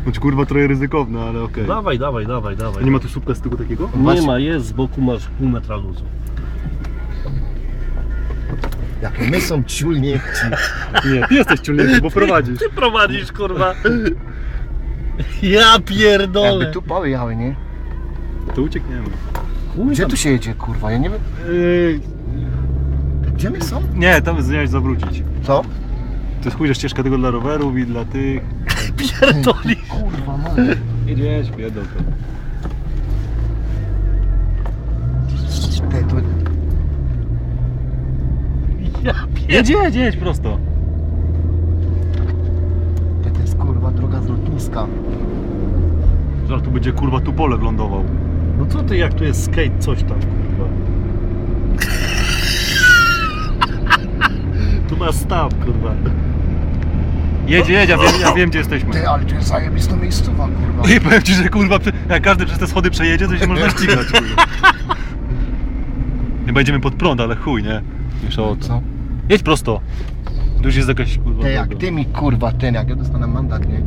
Choć kurwa trochę ryzykowne, ale okej. Dawaj. Nie ma tu słupka z tyłu takiego? Nie ma, jest, z boku masz pół metra luzu. Jakie my są ciulnięci. Nie, ty jesteś ciągnięty, bo prowadzisz. Ty prowadzisz, kurwa. Ja pierdolę. Jakby tu pały jały, nie? To uciekniemy. Gdzie tu się jedzie, kurwa? Ja nie wiem. Gdzie my są? Nie, tam zmieniać zawrócić. Co? To jest chujna ścieżka tego dla rowerów i dla tych. Pierdoli. Kurwa, no. Jedziesz, pierdol to. Ty, to... Ja pierdolę. Jedź prosto. To jest kurwa droga z lotniska. Zaraz tu będzie kurwa tu pole lądował. No co ty, jak tu jest skate, coś tam, kurwa. Tu masz staw, kurwa. Jedź, ja wiem gdzie jesteśmy. Ty, ale to jest zajebista miejscowa, kurwa. I powiem ci, że kurwa, jak każdy przez te schody przejedzie, to się można ścigać. Kurwa. Chyba jedziemy pod prąd, ale chuj, nie? Mniejsza o to. Co? Jedź prosto. Tu już jest jakaś kurwa. Ty, jak droga. ty mi, kurwa, ten, jak ja dostanę mandat, nie?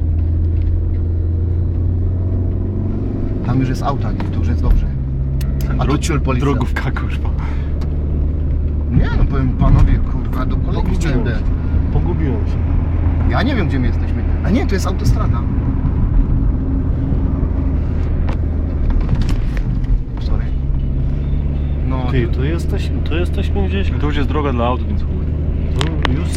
Tam już jest auta, nie? Tu już jest dobrze. A tu ciul policja. Drogówka, kurwa. Nie, no powiem panowie, kurwa, do kolegi chciałem dać. Pogubiłem się. Ja nie wiem, gdzie my jesteśmy. A nie, to jest autostrada. Sorry. No, Ty, to jesteśmy gdzieś. To już jest droga dla aut, więc chuj. To już